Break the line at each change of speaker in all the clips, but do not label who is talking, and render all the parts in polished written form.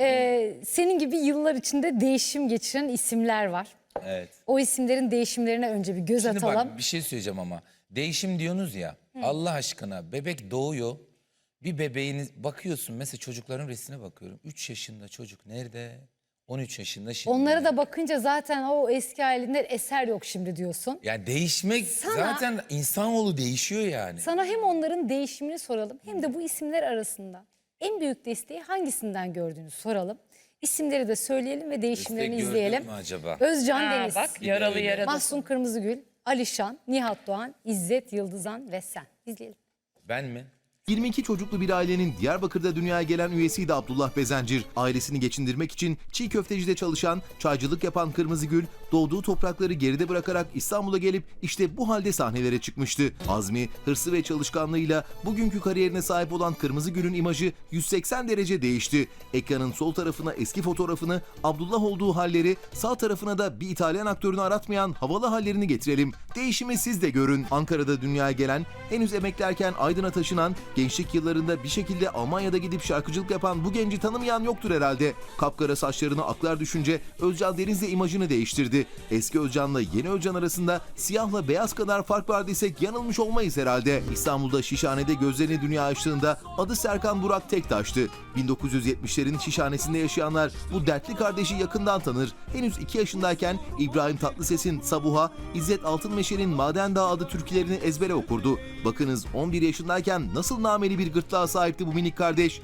Senin gibi yıllar içinde değişim geçiren isimler var.
Evet.
O isimlerin değişimlerine önce bir göz
Şimdi
atalım.
bak bir şey söyleyeceğim ama. Değişim diyorsunuz ya. Allah aşkına bebek doğuyor. Bir bebeğiniz bakıyorsun mesela çocukların resmine bakıyorum. 3 yaşında çocuk nerede? 13 yaşında şimdi.
Onlara da bakınca zaten o eski halinden eser yok şimdi diyorsun.
Yani değişmek zaten insanoğlu değişiyor yani.
Sana hem onların değişimini soralım hem de bu isimler arasında en büyük desteği hangisinden gördüğünü soralım. İsimleri de söyleyelim ve değişimlerini
Destek
izleyelim.
gördük mü acaba?
Özcan Deniz,
Bak yaralı yaralı.
Mahsun Kırmızıgül, Alişan, Nihat Doğan, İzzet Yıldızan ve sen. İzleyelim.
Ben mi?
22 çocuklu bir ailenin Diyarbakır'da dünyaya gelen üyesiydi Abdullah Bezencir. Ailesini geçindirmek için çiğ köftecide çalışan, çaycılık yapan Kırmızıgül, doğduğu toprakları geride bırakarak İstanbul'a gelip işte bu halde sahnelere çıkmıştı. Azmi, hırsı ve çalışkanlığıyla bugünkü kariyerine sahip olan Kırmızıgül'ün imajı 180 derece değişti. Ekranın sol tarafına eski fotoğrafını, Abdullah olduğu halleri, sağ tarafına da bir İtalyan aktörünü aratmayan havalı hallerini getirelim. Değişimi siz de görün. Ankara'da dünyaya gelen, henüz emeklerken Aydın'a taşınan, gençlik yıllarında bir şekilde Almanya'da gidip şarkıcılık yapan bu genci tanımayan yoktur herhalde. Kapkara saçlarına aklar düşünce Özcan Deniz de imajını değiştirdi. Eski Özcan'la yeni Özcan arasında siyahla beyaz kadar fark var desek yanılmış olmayız herhalde. İstanbul'da Şişhane'de gözlerini dünya açtığında adı Serkan Burak Tektaş'tı. 1970'lerin Şişhane'sinde yaşayanlar bu dertli kardeşi yakından tanır. Henüz 2 yaşındayken İbrahim Tatlıses'in Sabuha, İzzet Altınmeşe'nin Maden Dağı adı türkülerini ezbere okurdu. Bakınız 11 yaşındayken nasıl nameli bir gırtlağa sahipti bu minik kardeş.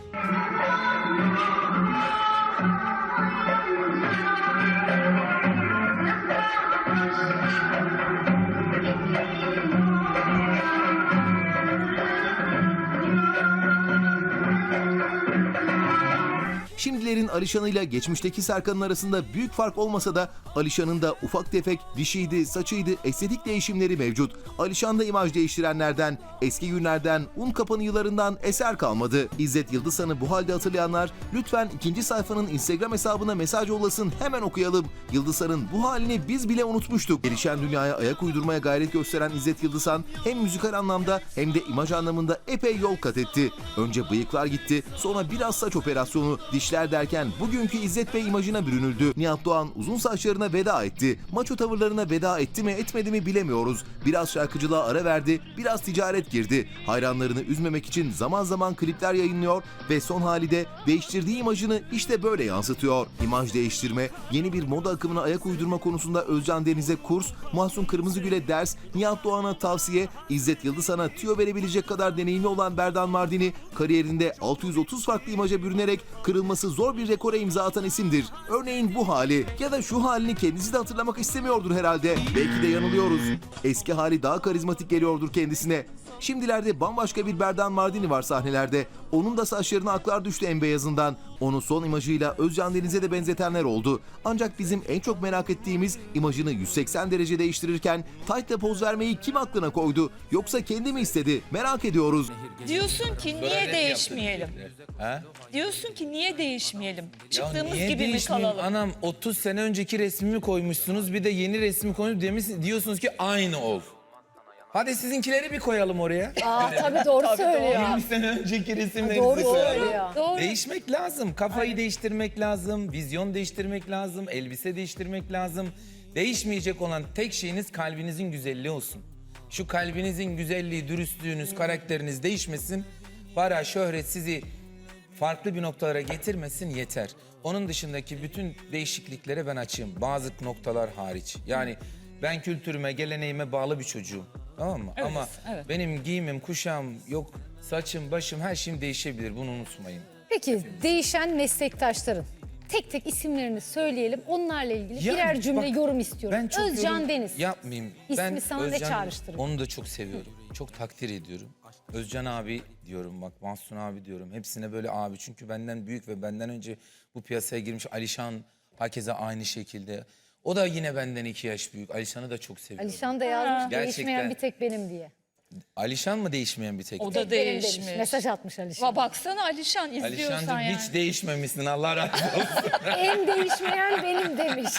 Şimdilerin Alişan'ıyla geçmişteki Serkan'ın arasında büyük fark olmasa da Alişan'ın da ufak tefek dişiydi, saçıydı, estetik değişimleri mevcut. Alişan da imaj değiştirenlerden, eski günlerden, un kapanı yıllarından eser kalmadı. İzzet Yıldızhan'ı bu halde hatırlayanlar lütfen ikinci sayfanın Instagram hesabına mesaj yollasın, hemen okuyalım. Yıldızhan'ın bu halini biz bile unutmuştuk. Gelişen dünyaya ayak uydurmaya gayret gösteren İzzet Yıldızhan hem müzikal anlamda hem de imaj anlamında epey yol kat etti. Önce bıyıklar gitti, sonra biraz saç operasyonu, dişler derken bugünkü İzzet Bey imajına bürünüldü. Nihat Doğan uzun saçlarına veda etti. Maço tavırlarına veda etti mi etmedi mi bilemiyoruz. Biraz şarkıcılığa ara verdi, biraz ticaret girdi. Hayranlarını üzmemek için zaman zaman klipler yayınlıyor ve son hali de değiştirdiği imajını işte böyle yansıtıyor. İmaj değiştirme, yeni bir moda akımına ayak uydurma konusunda Özcan Deniz'e kurs, Mahsun Kırmızıgül'e ders, Nihat Doğan'a tavsiye, İzzet Yıldızhan'a tüyo verebilecek kadar deneyimli olan Berdan Mardini, kariyerinde 630 farklı imaja bürünerek kırılması zor bir rekora imza atan isimdir. Örneğin bu hali ya da şu halini kendisi de hatırlamak istemiyordur herhalde. Belki de yanılıyoruz. Eski hali daha karizmatik geliyordur kendisine. Şimdilerde bambaşka bir Berdan Mardini var sahnelerde. Onun da saçlarına aklar düştü en beyazından. Onu son imajıyla Özcan Deniz'e de benzetenler oldu. Ancak bizim en çok merak ettiğimiz imajını 180 derece değiştirirken tight'la poz vermeyi kim aklına koydu? Yoksa kendi mi istedi? Merak ediyoruz.
Diyorsun ki niye değişmeyelim?
Ha?
Diyorsun ki niye değişmeyelim?
Ya
Çıktığımız
niye
gibi mi
değişmeyeyim?
kalalım?
Anam 30 sene önceki resmimi koymuşsunuz bir de yeni resmi koymuşsunuz diyorsunuz ki aynı ol. Hadi sizinkileri bir koyalım oraya.
Tabii doğru söylüyor.
20 sene önceki resimlerinizi
Doğru
koyalım.
söylüyor.
Doğru.
Değişmek lazım. Kafayı değiştirmek lazım. Vizyon değiştirmek lazım. Elbise değiştirmek lazım. Değişmeyecek olan tek şeyiniz kalbinizin güzelliği olsun. Şu kalbinizin güzelliği, dürüstlüğünüz, karakteriniz değişmesin. Para, şöhret sizi farklı bir noktalara getirmesin yeter. Onun dışındaki bütün değişikliklere ben açığım. Bazı noktalar hariç. Yani ben kültürüme, geleneğime bağlı bir çocuğum. Tamam mı?
Evet,
Ama
evet.
benim giyimim, kuşağım, yok saçım, başım her şeyim değişebilir. Bunu unutmayın.
Peki değişen meslektaşların tek tek isimlerini söyleyelim. Onlarla ilgili
Ya,
birer cümle
bak,
yorum istiyorum.
Ben çok
Özcan
yorum
Deniz.
yapmayayım.
İsmi
Ben
sana ne çağrıştırıyor?
Onu da çok seviyorum. Çok takdir ediyorum. Özcan abi diyorum bak, Mahsun abi diyorum. Hepsine böyle abi. Çünkü benden büyük ve benden önce bu piyasaya girmiş. Alişan hakeza aynı şekilde. O da yine benden 2 yaş büyük. Alişan'ı da çok seviyorum.
Alişan da yazmış
Gerçekten.
değişmeyen bir tek benim diye.
Alişan mı değişmeyen bir tek?
O da
Benim demiş.
değişmiş.
Mesaj atmış Alişan.
Baksana Alişan izliyorsan
Alişancığım
yani.
hiç değişmemişsin, Allah razı olsun.
En değişmeyen benim demiş.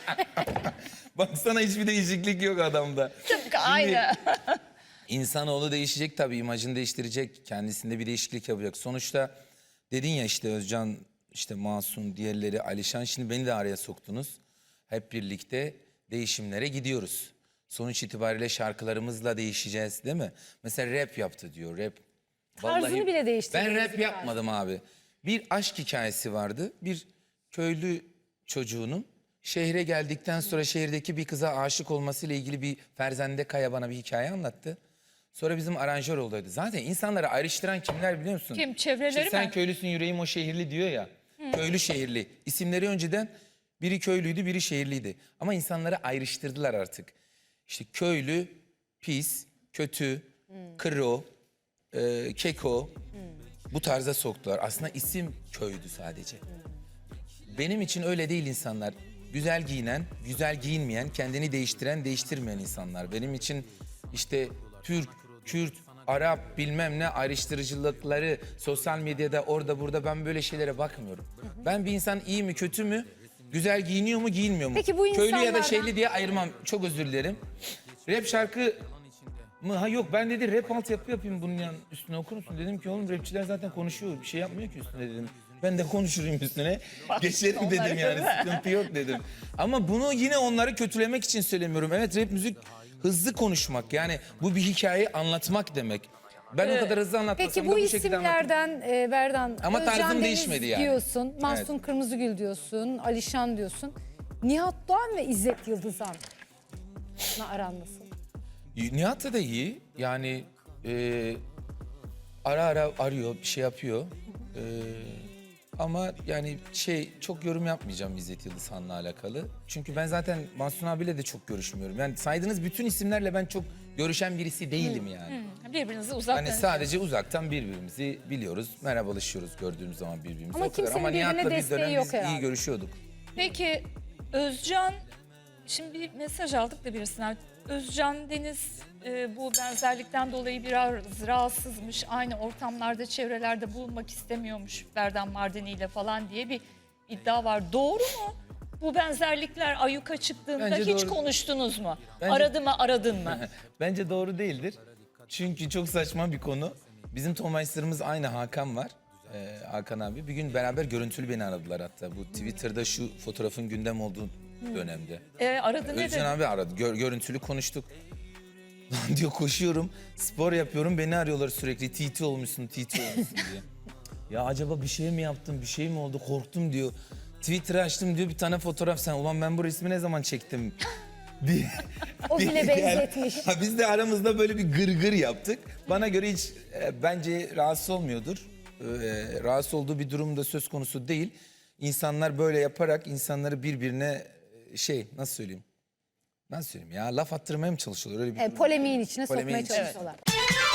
Baksana hiçbir değişiklik yok adamda.
Tıpkı aynı.
İnsanoğlu değişecek tabii, imajını değiştirecek, kendisinde bir değişiklik yapacak. Sonuçta dedin ya işte Özcan işte Masum, diğerleri, Alişan. Şimdi beni de araya soktunuz. Hep birlikte değişimlere gidiyoruz. Sonuç itibariyle şarkılarımızla değişeceğiz değil mi? Mesela rap yaptı diyor. Rap.
Tarzını bile değiştirdiniz
Ben rap
biraz.
yapmadım abi. Bir aşk hikayesi vardı. Bir köylü çocuğunun şehre geldikten sonra şehirdeki bir kıza aşık olmasıyla ilgili bir Ferzende Kaya bana bir hikaye anlattı. Sonra bizim aranjör olduydu. Zaten insanları ayrıştıran kimler biliyor musun?
Kim? Çevreleri
İşte sen
mi?
köylüsün yüreğim o şehirli diyor ya. Köylü şehirli. İsimleri önceden biri köylüydü biri şehirliydi. Ama insanları ayrıştırdılar artık. İşte köylü, pis, kötü, kro, keko bu tarza soktular. Aslında isim köydü sadece. Benim için öyle değil insanlar. Güzel giyinen, güzel giyinmeyen, kendini değiştiren, değiştirmeyen insanlar. Benim için işte Türk, Kürt, Arap bilmem ne ayrıştırıcılıkları sosyal medyada orada burada ben böyle şeylere bakmıyorum. Ben bir insan iyi mi kötü mü, güzel giyiniyor mu giyinmiyor mu?
Peki bu
Köylü ya da
insanlardan-
şeyli diye ayırmam. Çok özür dilerim. Rap şarkı mı? Ha yok ben dedi rap altyapı yapayım bunun üstüne okur musun? Dedim ki oğlum rapçiler zaten konuşuyor. Bir şey yapmıyor ki üstüne dedim. Ben de konuşurum üstüne. Geçerim dedim
onları
yani
değil mi?
sıkıntı yok dedim. Ama bunu yine onları kötülemek için söylemiyorum. Evet rap müzik hızlı konuşmak yani bu bir hikayeyi anlatmak demek. Ben o kadar hızlı anlatmasam
Peki
da
bu
bu şekilde anlatırım.
isimlerden Berdan,
Ama
Özcan
tarzım
Deniz
değişmedi yani.
diyorsun, Mahsun Kırmızıgül diyorsun, Alişan diyorsun. Nihat Doğan ve İzzet Yıldızan'la aran nasıl?
Nihat da iyi. Yani ara ara arıyor, bir şey yapıyor. Ama yani çok yorum yapmayacağım İzzet Yıldızhan'la alakalı. Çünkü ben zaten Mahsun abiyle de çok görüşmüyorum. Yani saydığınız bütün isimlerle ben çok görüşen birisi değilim yani.
Birbirinizi uzaktan.
Hani sadece uzaktan birbirimizi biliyoruz. Merhabalaşıyoruz gördüğümüz zaman birbirimizi.
Ama
o kadar.
kimsenin
Ama
birbirine
Nihat'la bir
desteği
dönem
yok
biz
herhalde.
iyi görüşüyorduk.
Peki Özcan, şimdi bir mesaj aldık da birisinden. Özcan Deniz bu benzerlikten dolayı biraz rahatsızmış. Aynı ortamlarda, çevrelerde bulunmak istemiyormuş Berdan Mardini ile falan diye bir iddia var. Doğru mu? Bu benzerlikler ayyuka çıktığında
Bence
hiç
doğru.
konuştunuz mu?
Bence-
Aradı mı, aradın mı?
Bence doğru değildir. Çünkü çok saçma bir konu. Bizim Tomayslarımız aynı Hakan var. Hakan abi. Bir gün beraber görüntülü beni aradılar hatta. Bu Twitter'da şu fotoğrafın gündem olduğu dönemde.
Aradı ne
Özcan
dedi?
abi aradı. Görüntülü konuştuk. Lan diyor koşuyorum, spor yapıyorum. Beni arıyorlar sürekli. TT olmuşsun, TT olmuşsun diye. Ya acaba bir şey mi yaptım, bir şey mi oldu? Korktum diyor. Twitter'ı açtım diyor bir tane fotoğraf sen. Ulan ben bu resmi ne zaman çektim? diye.
O bile
diye
benzetmiş.
Ha, biz de aramızda böyle bir gırgır yaptık. Bana göre hiç bence rahatsız olmuyordur. Rahatsız olduğu bir durumda söz konusu değil. İnsanlar böyle yaparak insanları birbirine nasıl söyleyeyim? Nasıl söyleyeyim ya laf attırmaya mı çalışıyorlar öyle bir
Polemiğin içine
Polemiğin
sokmaya
içine.
çalışıyorlar.